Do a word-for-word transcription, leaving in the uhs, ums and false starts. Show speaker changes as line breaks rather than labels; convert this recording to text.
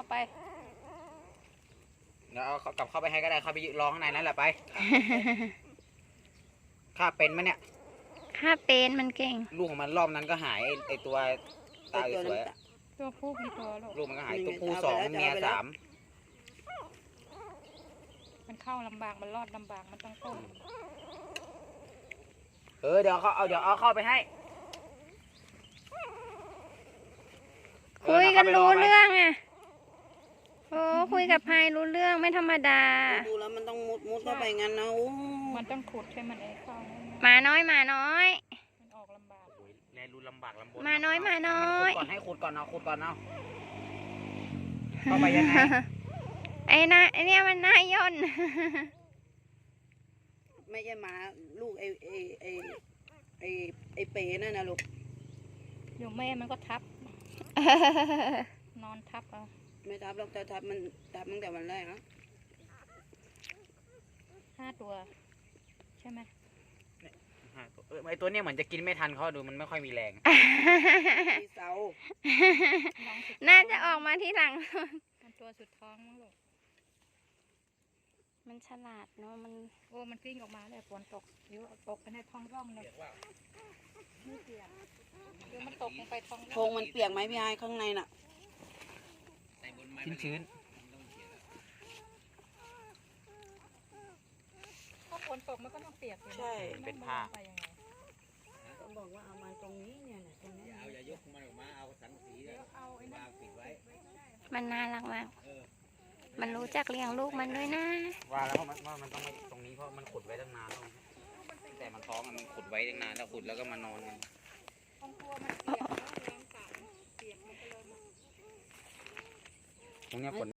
ไป
เดี๋ยวเอากลับเข้าไปให้ก็ได้เข้าไปรอข้างในนั่นแหละไปข้าเป็นไหมเนี่ย
ข้าเป็นมันเก่ง
ลูกของมันรอบนั้นก็หายไอตัวตาสวย
ตัวผู้มีตัวลูก
ลูกมันก็หายตัวผู้สองเมียสาม
มันเข้าลำบากมันรอดลำบากมันต้องต้ม
เออเดี๋ยวเขาเอาเดี๋ยวเอาเข้าไปให้
คุยกันรู้เรื่องอ่ะโอ้คุยกับพายรู้เรื่องไม่ธรรมดา
ดูแล้วมันต้องมุดมุดเข้าไปงั้นนะ
มันต้องขุดให้มันเองเข้า
มาน้อยมาน้อย
มันออกลำบาก
แลรูลำบากลำบน
มาน้อยมาน้อย
ก่อนให้ขุดก่อนเอาขุดก่อนเอาเข้าไปยังไง
ไอ้นะไอเนี่ยมันน่าย่น
ไม่ใช่หมาลูกไอไอไอไอไอเป๋นั่นนะลูก
อยู่แม่มันก็ทับนอนทับเอา
ไม่ทับหรอกแต่ทับมันทับตั้งแต่วันแรกนะ
ห้าตัวใช่ไหม
ไอตัวเนี้ยเหมือนจะกินไม่ทันเขาดูมันไม่ค่อยมีแรง
ที่เสา
น่าจะออกมาที่หลัง
ตัวสุดท้องมั้งลูก
มันฉลาดเนาะมัน
โอ้มันกลิ้งออกมาเลยฝนตกเดี๋ยวตกไปในท้องร่องเลยไม่เปียกเดี๋ยวมันตกลงไปท้องร่อง
โพงมันเปียกไหมพี่ไอ้ข้างในน่ะ
ชื้นชื้น
ถ้าฝนตกมันก็ต้องเปียก
ใช่
เป็นผ้า
ต้องบอกว่าเอามาตรงนี้เนี่ยตรงนี้
เอาอย่ายกมันออกมาเอาสังสีเอาไอ้วางปิดไว้
มันน่ารักมากมันรู้จักเลี้ยงลูกมันด้วยนะ
ว่าแล้วว่ามันว่ามันต้องมาตรงนี้เพราะมันขุดไว้ตั้งนานแล้วแต่มันท้องมันขุดไว้ตั้งนานแล้วขุดแล้วก็มานอนกันตรงนี้ฝน